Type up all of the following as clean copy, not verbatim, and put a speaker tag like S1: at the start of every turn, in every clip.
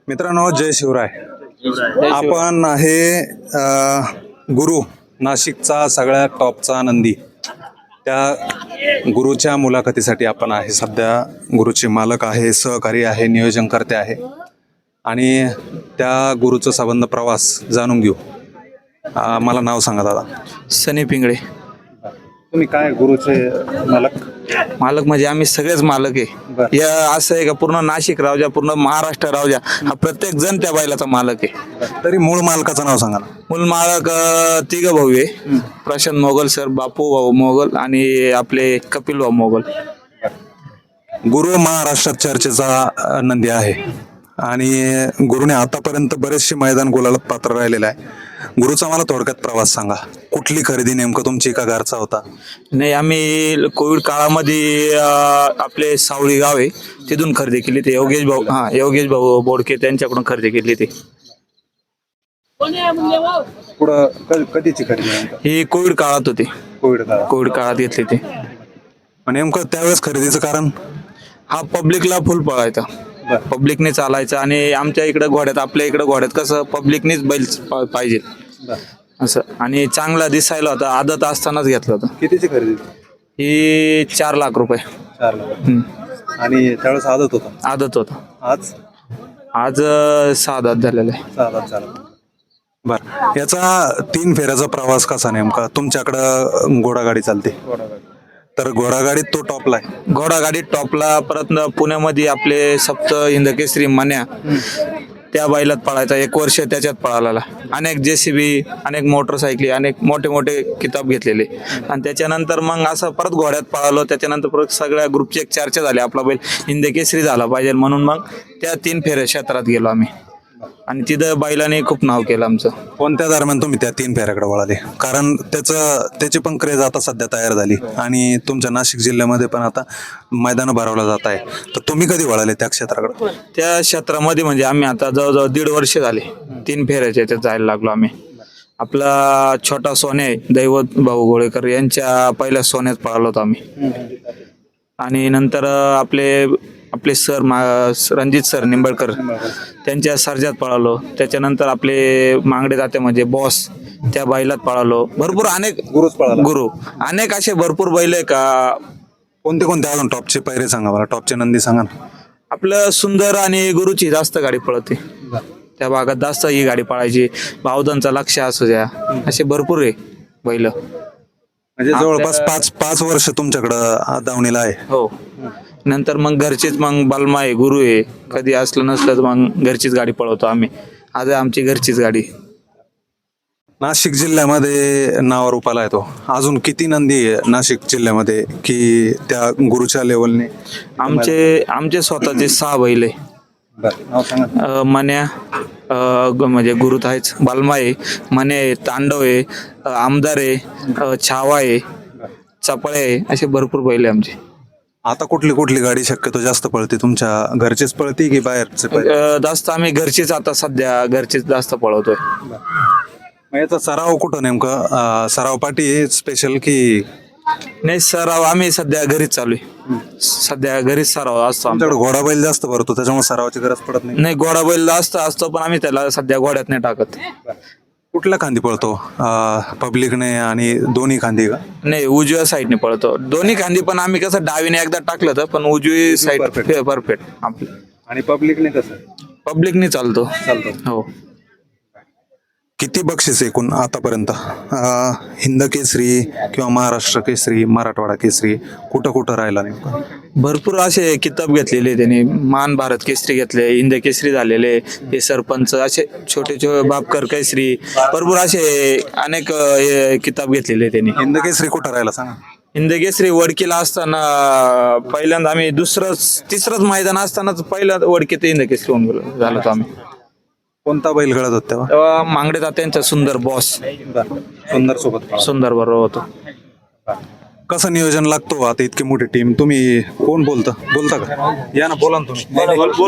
S1: मित्रांनो, जय शिवराय. आपण आहे गुरु, नाशिकचा सगळ्यात टॉपचा नंदी. त्या गुरुच्या मुलाखतीसाठी आपण आहे. सध्या गुरुचे मालक आहे, सहकारी आहे, नियोजनकर्ते आहे आणि त्या गुरुचा संबंध प्रवास जाणून घेऊ. मला नाव सांगा दादा.
S2: सनी पिंगळे.
S1: तुम्ही काय गुरुचे मालक?
S2: मालक म्हणजे आम्ही सगळेच मालक आहे. या असं आहे का पूर्ण नाशिक रावजा, पूर्ण महाराष्ट्र रावजा हा प्रत्येक जण त्या बैलाचा मालक आहे.
S1: तरी मूळ मालकाचं नाव सांगा ना.
S2: मूल मालक तिघ भाऊ आहे. प्रशांत मोगल सर, बापू भाऊ मोगल आणि आपले कपिल भाऊ मोगल.
S1: गुरु महाराष्ट्रात चर्चेचा नंदी आहे आणि गुरुने आतापर्यंत बरेचसे मैदान गुलालात पात्र राहिलेलं आहे. गुरुचा मला थोडक्यात प्रवास सांगा. कुठली खरेदी नेमकं तुमची का घरचा होता?
S2: नाही, आम्ही कोविड काळामध्ये आपले सावळी गाव आहे तिथून खरेदी केली. ते योगेश भाऊ बोडके त्यांच्याकडून खरेदी केली. ते
S1: पुढं कधीची खरेदी?
S2: ही कोविड काळात होती. कोविड काळात घेतली ते.
S1: नेमकं त्यावेळेस खरेदीचं कारण?
S2: हा पब्लिकला फुल पळायचा, पब्लिकने चालायचं आणि आमच्या इकडे घोड्यात, आपल्या इकडे घोड्यात कसं पब्लिकनेच बैल पाहिजे असं. आणि चांगला दिसायला होता. आदत असतानाच घेतलं होतं.
S1: कितीची खरेदी?
S2: ही 4 लाख रुपये.
S1: 4 लाख. आणि त्यावेळेस आदत होता?
S2: आदत होता.
S1: आज
S2: 6 दात झालेला आहे.
S1: 6 दात झाला. बर, याचा 3 फेऱ्याचा प्रवास कसा नेमका? तुमच्याकडं घोडागाडी चालते तर घोडागाडीत तो टॉपला आहे.
S2: घोडागाडीत टॉपला. परत पुण्यामध्ये आपले सप्त हिंदकेसरी मन्या त्या बैलात पळायचा. 1 वर्ष त्याच्यात पळाला. अनेक JCB, अनेक मोटरसायकली, अनेक मोठे मोठे किताब घेतलेले. आणि त्याच्यानंतर मग असं परत घोड्यात पळालो. त्याच्यानंतर परत सगळ्या ग्रुपची एक चर्चा झाली, आपला बैल हिंदकेसरी झाला पाहिजे म्हणून मग त्या 3 फेऱ्या क्षेत्रात गेलो आम्ही आणि तिथं बैलाने खूप नाव केलं आमचं.
S1: कोणत्या दरम्यान तुम्ही त्या 3 फेऱ्याकडे वळाले? कारण त्याची पण क्रेज आता सध्या तयार झाली आणि तुमच्या नाशिक जिल्ह्यामध्ये पण आता मैदानं भरवलं जात आहे. तर तुम्ही कधी वळाले त्या क्षेत्राकडे?
S2: त्या क्षेत्रामध्ये म्हणजे आम्ही आता जवळजवळ 1.5 वर्ष झाले 3 फेऱ्याच्या याच्यात जायला लागलो आम्ही. आपला छोटा सोने दैवत भाऊ गोळेकर यांच्या पहिल्या सोन्यात पळालो होतो आम्ही. आणि नंतर आपले सर रणजित सर निंबाळकर त्यांच्या सर्जात पळालो. त्याच्यानंतर आपले मांगडे जाते म्हणजे बॉस त्या बैलात पळालो. भरपूर अनेक गुरु अनेक असे भरपूर बैल आहे का.
S1: कोणते अजून टॉपचे पैरे सांगा मला, टॉपचे नंदी सांगा ना.
S2: आपलं सुंदर आणि गुरुची जास्त गाडी पळते त्या भागात, जास्त ही गाडी पळायची. भावदांचा लक्ष असू द्या, असे भरपूर आहे बैल.
S1: म्हणजे जवळपास 5 वर्ष तुमच्याकडं दावणीला आहे.
S2: हो. नंतर मग घरचीच मग बलमा आहे, गुरु आहे. कधी असलं नसलं तर मग घरचीच गाडी पळवतो आम्ही. आज आमची घरचीच गाडी.
S1: नाशिक जिल्ह्यामध्ये नावारूपाला येतो. अजून किती नंदी आहे नाशिक जिल्ह्यामध्ये की त्या गुरुच्या लेवलने?
S2: आमचे स्वतःचे 6 बैल आहे. मन्या म्हणजे गुरुत आहेच, बलमा आहे, मने आहे, तांडव आहे, आमदार आहे, छावा आहे, चपळे आहे, असे भरपूर बैल आहे आमचे.
S1: आता कुठली गाडी शक्यतो जास्त पळते? तुमच्या घरचीच पळते की बाहेरचे?
S2: जास्त आम्ही घरचीच, आता सध्या घरचीच जास्त पळवतोय.
S1: याचा सराव कुठं नेमका? सराव पाठी स्पेशल की?
S2: नाही, सराव आम्ही सध्या घरीच चालू आहे. सध्या घरीच सराव असतो.
S1: आमच्याकडे घोडा बैल जास्त भरतो त्याच्यामुळे सरावाची गरज पडत नाही.
S2: नाही, घोडा बैल जास्त असतो पण आम्ही त्याला सध्या घोड्यात नाही टाकत.
S1: कुठल्या खांदी पळतो? पब्लिकने आणि दोन्ही खांदी का?
S2: नाही, उजव्या साईडने पळतो. दोन्ही खांदी पण आम्ही कसं डावीने एकदा टाकलं तर, पण उजवी साईड परफेक्ट आपली.
S1: आणि पब्लिकने कसं?
S2: पब्लिकने चालतो. हो.
S1: किती बक्षीस एकूण आतापर्यंत? हिंद केसरी किंवा महाराष्ट्र केसरी, मराठवाडा केसरी कुठं राहिला नेमका?
S2: भरपूर असे किताब घेतलेले त्यांनी. मान भारत केसरी घेतले, हिंद केसरी झालेले, हे सरपंच, असे छोटे बापकर केसरी, भरपूर असे अनेक किताब घेतलेले त्यांनी.
S1: हिंद केसरी कुठं राहिला सांगा?
S2: हिंद केसरी वडकीला असताना पहिल्यांदा आम्ही तिसरंच मैदान असतानाच पहिला वडकीत हिंद केसरी होऊन झालो होतो आम्ही.
S1: कोणता बैल गळत होता
S2: तेव्हा मांगडे तात्यांचा सुंदर बॉस. सुंदर बरोबर होतो.
S1: कसं नियोजन लागतो? आता इतकी मोठी टीम, तुम्ही कोण बोलता का? या ना, बोला ना तुम्ही.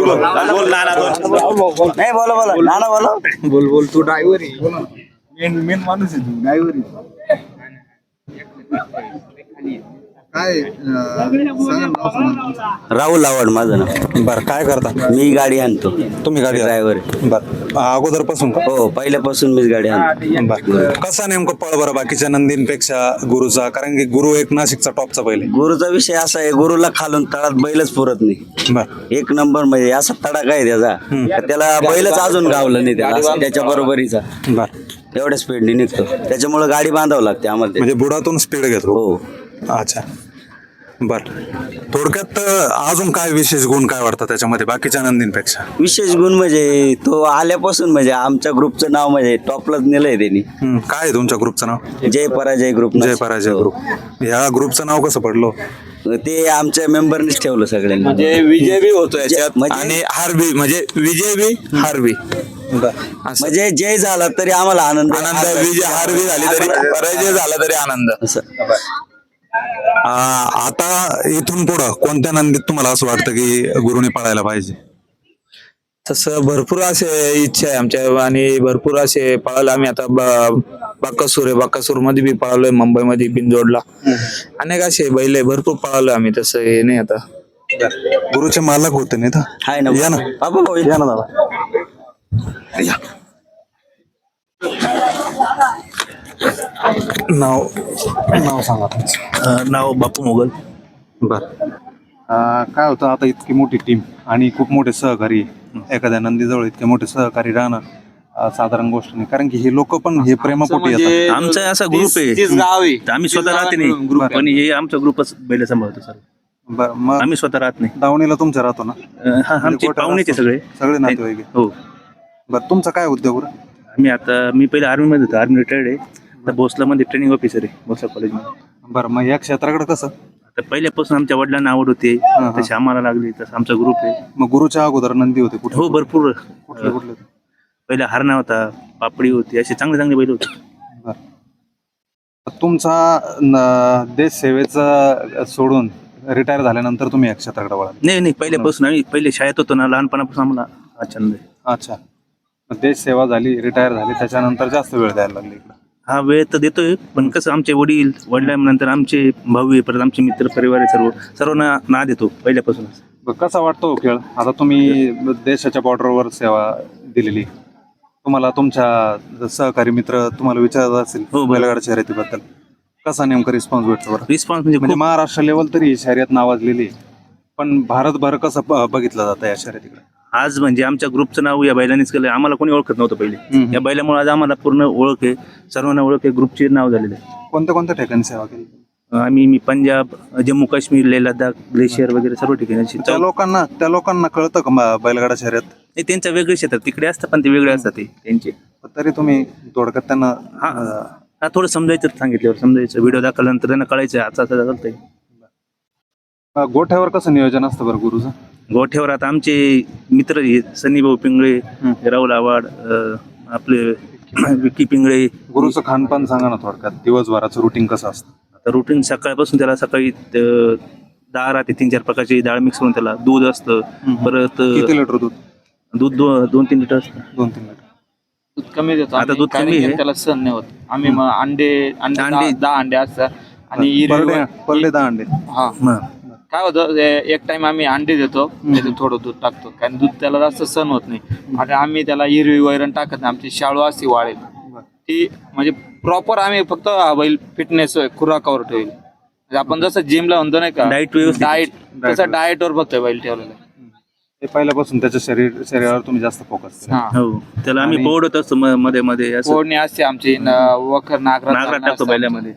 S3: बोल तू ड्रायव्हर आहे, मेन माणूस आहे तू, ड्रायव्हर आहे.
S1: काय सांगा नाव सांगा तुमचं.
S3: राहुल आवड माझं नाव.
S1: बरं काय करता
S3: मी गाडी आणतो,
S1: तुम्ही गाडी
S3: ड्रायव्हर आहे.
S1: बरं अगोदरपासून का
S3: हो, पहिल्यापासून मीच गाडी आणतो.
S1: बरं कसा नेमकं पळ बरं बाकीच्या नंदींपेक्षा गुरुचा, कारण की गुरु एक नाशिकचा टॉपचा बैल आहे.
S3: गुरुचा विषय असा आहे, गुरुला खालून तळात बैलच पुरत नाही.
S1: बरं
S3: एक नंबर म्हणजे असा तडाखा आहे त्याचा, का त्याला बैलच अजून गावलं नाही त्याला, असं त्याच्या बरोबरीचा
S1: बरं
S3: तेवढ्या स्पीडने निघतो. त्याच्यामुळे गाडी बांधावं लागते आम्हाला ते.
S1: म्हणजे बुडातून स्पीड घेतो.
S3: हो,
S1: अच्छा बर थोडक्यात अजून काय विशेष गुण काय वाटतं त्याच्यामध्ये बाकीच्या नंदींपेक्षा.
S3: विशेष गुण म्हणजे तो आल्यापासून म्हणजे आमच्या ग्रुपचं नाव म्हणजे टॉपलाच नेलंय त्यांनी.
S1: काय आहे तुमच्या ग्रुपचं नाव.
S3: जय पराजय ग्रुप.
S1: जय पराजय ग्रुप. ह्या ग्रुपचं नाव कसं पडलं.
S3: ते आमच्या मेंबरनीच ठेवलं सगळ्यांनी.
S2: म्हणजे विजय बी होतो याच्यात
S3: म्हणजे-
S2: आणि हार बी, म्हणजे विजय बी हार बी.
S3: म्हणजे जय झाला तरी आम्हाला आनंद आहे.
S2: आनंद, विजय हार बी झाली तरी, पराजय झाला तरी आनंद.
S3: असं
S1: आता इथून पुढं कोणत्या नंदीत तुम्हाला असं वाटतं की गुरुने पळायला पाहिजे.
S2: तसं भरपूर असे इच्छा आहे आमच्या, आणि भरपूर असे पळायला आम्ही आता बाकासूर आहे, बाकासूर मध्ये बी पळालोय, मुंबईमध्ये बिनजोडला अनेक असे बैल आहे, भरपूर पळालोय आम्ही. तसं हे नाही आता.
S1: गुरुचे मालक होते नाही तर
S3: आहे ना.
S1: या ना
S3: बाबा भाऊ,
S1: या ना दादा या. नाव नाव सांगा तुमचं.
S4: नाव बापू मोगल.
S1: बर काय होतं आता इतकी मोठी टीम आणि खूप मोठे सहकारी एखाद्या नंदीजवळ इतके मोठे सहकारी राहणं साधारण गोष्ट नाही, कारण की हे लोक पण हे प्रेमापोटी येतात.
S4: आमचा असा ग्रुप आहे,
S2: गाव आहे.
S4: आम्ही स्वतः राहते नाही, पण हे आमचा ग्रुपच बैल सांभाळतो सर.
S1: बरं मग
S4: आम्ही स्वतः राहत नाही.
S1: दावणीला तुमच्या राहतो ना.
S4: हा, आमचे
S1: गोठ्यात
S4: पाहुणेचे
S1: असतो.
S4: सगळे
S1: सगळे नातेवाईक आहे.
S4: हो.
S1: बरं तुमचा काय उद्योग बरं.
S4: मी पहिले आर्मीमध्ये होतो, आर्मी रिटायर्ड आहे. आता भोसलामध्ये ट्रेनिंग ऑफिसर आहे, भोसला कॉलेजमध्ये.
S1: बरं मग या क्षेत्राकडे कसं.
S4: आता पहिल्यापासून आमच्या वडिलांना आवड होती, तशी आम्हाला लागली, तसं आमचा ग्रुप आहे.
S1: मग गुरुच्या अगोदर नंदी होते कुठे.
S4: हो भरपूर.
S1: कुठले कुठले.
S4: पहिला हरणा होता, पापडी होती, असे चांगले चांगले बैल होते.
S1: बरं तुमचा देश सेवेचा सोडून रिटायर झाल्यानंतर तुम्ही या क्षेत्राकडे वळाल.
S4: नाही, पहिल्यापासून आम्ही पहिले शाळेत होतो ना, लहानपणापासून आम्हाला हा छंद आहे.
S1: अच्छा मग देश सेवा झाली, रिटायर झाली, त्याच्यानंतर जास्त वेळ द्यायला लागले इकडे.
S4: हा वेळ तर देतोय, पण कसं आमचे वडिलांनंतर आमचे भाऊ आहे, परत आमचे मित्र परिवार आहे, सर्वांना ना देतो पहिल्यापासूनच.
S1: कसा वाटतो खेळ. आता तुम्ही देशाच्या बॉर्डरवर सेवा दिलेली, तुम्हाला तुमच्या सहकारी मित्र तुम्हाला विचारत असेल
S4: हो,
S1: बैलगाडा शर्यतीबद्दल, कसा नेमका रिस्पॉन्स भेटतो बरं.
S4: रिस्पॉन्स म्हणजे
S1: म्हणजे
S4: खूप.
S1: महाराष्ट्र लेवल तरी शर्यत नावाजलेली आहे, पण भारतभर कसं बघितलं जातं या शर्यतीकडे.
S4: आज म्हणजे आमच्या ग्रुपचं नाव या बैलांनीच केलं. आम्हाला कोणी ओळखत नव्हतं पहिले. या बैलामुळे आज आम्हाला पूर्ण ओळख आहे, सर्वांना ओळख आहे, ग्रुपचे नाव झालेलं आहे.
S1: कोणत्या कोणत्या ठिकाणी सेवा केली.
S4: मी पंजाब, जम्मू काश्मीर, लेह लडाख, ग्लेशियर वगैरे सर्व ठिकाणी अशी.
S1: त्या लोकांना कळतं का बैलगाडा शर्यत.
S4: हे त्यांच्या वेगळे क्षेत्रात तिकडे असतात, पण ते वेगळे असतात ते त्यांचे.
S1: तरी तुम्ही थोडक्यात त्यांना
S4: हा थोडं समजायचं, सांगितल्यावर समजायचं, व्हिडिओ दाखवल्यानंतर त्यांना कळायचं आता असं चालतंय.
S1: गोठ्यावर कसं नियोजन असतं बरं गुरुचं.
S4: गोठ्यावर आता आमचे मित्र सनी भाऊ पिंगळे, राहुल आवाड, आपले विकी पिंगळे.
S1: गुरुचं खानपान सांगा ना थोडक्यात, दिवसभराचं रुटीन कसं असतं.
S4: आता रुटीन सकाळपासून त्याला सकाळी डाळ राहते, 3-4 प्रकारची डाळ मिक्स करून त्याला दूध असतं, परत
S1: किती लिटर दूध.
S4: 2-3 लिटर असतं.
S1: 2-3 लिटर
S2: दूध कमी देतो
S4: आता दूध कमी आहे.
S2: त्याला सण नाही होत. आम्ही मग अंडे 10 अंडे असतात आणि
S1: पर डे 10 अंडे.
S2: हा काय होतं, एक टाइम आम्ही अंडे देतो, त्याच्यात थोडं दूध टाकतो, कारण दूध त्याला जास्त सण होत नाही. आणि आम्ही त्याला हिरवी वैरण टाकत नाही, आमची शाळू असते वाळेल ती, म्हणजे प्रॉपर आम्ही फक्त बैल फिटनेस खुराकावर ठेवेल. म्हणजे आपण जसं जिमला म्हणतो नाही का,
S4: डाएट व्यवस्थित.
S2: डाएट तसं डाएटवर फक्त बैल ठेवलेलं आहे.
S1: हे पहिल्यापासून त्याच्या शरीरावर तुम्ही जास्त फोकस केला.
S2: हा,
S4: हो, त्याला आम्ही पोडत असतो मध्ये मध्ये असं.
S2: फोडणी असते आमची, वखर
S4: नागरात टाकतो बैलामध्ये.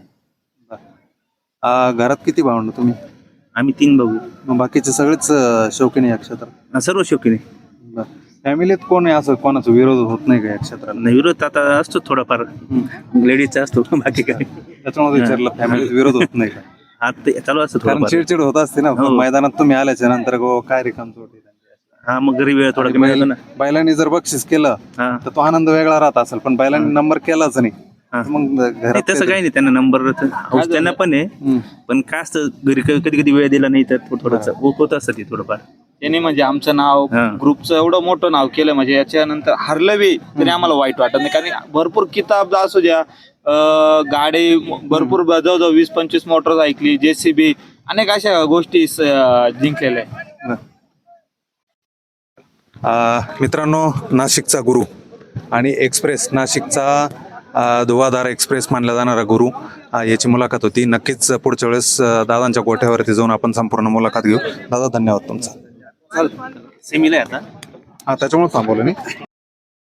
S1: घरात किती भावंड तुम्ही.
S4: आम्ही 3 भाऊ.
S1: मग बाकीचे सगळेच शौकीन या क्षेत्रात.
S4: सर्व शौकीने.
S1: फॅमिलीत कोण आहे असं कोणाचा विरोध होत नाही का या क्षेत्रात.
S4: नाही, विरोध आता असतो थोडाफार, लेडीजचा असतो, बाकी काय.
S1: त्याच्यामध्ये विचारलं फॅमिलीत विरोध होत नाही का.
S4: आता चालू असतं
S1: कारण
S4: थोडंफार.
S1: चिडचिड होत असते ना
S4: हो.
S1: मैदानात तुम्ही आल्याच्या नंतर काय रिकाम चोट.
S4: हा, मग घरी वेळ थोडा कमी होतो ना.
S1: बैलांनी जर बक्षीस केलं
S4: हा,
S1: तर तो आनंद वेगळा राहत असेल, पण बैलांनी नंबर केलाच नाही
S4: हा.
S1: मग
S4: नाही,
S1: घरात
S4: तसं काही नाही, त्यांना नंबर त्यांना पण आहे, पण काय असतं घरी कधी कधी वेळ दिला नाही तर थोडंसं होत असतं ते थोडंफार.
S2: त्यांनी म्हणजे आमचं नाव,
S4: हा.
S2: ग्रुपचं एवढं मोठं नाव केलं, म्हणजे याच्यानंतर हरलं बी तरी आम्हाला वाईट वाटत नाही, कारण भरपूर किताब असू द्या, गाडी भरपूर जवळजवळ 20-25 मोटर्स ऐकली, JCB अनेक अशा गोष्टी जिंकलेल्या आहे.
S1: मित्रांनो, नाशिकचा गुरु आणि एक्सप्रेस, नाशिकचा धुवाधार एक्सप्रेस मानला जाणारा गुरु, याची मुलाखत होती. नक्कीच पुढच्या वेळेस दादांच्या गोठ्यावरती जाऊन आपण संपूर्ण मुलाखत घेऊ. दादा, धन्यवाद तुमचा.
S4: सेमीला आहे आता.
S1: त्याच्यामुळे थांबवलं नाही.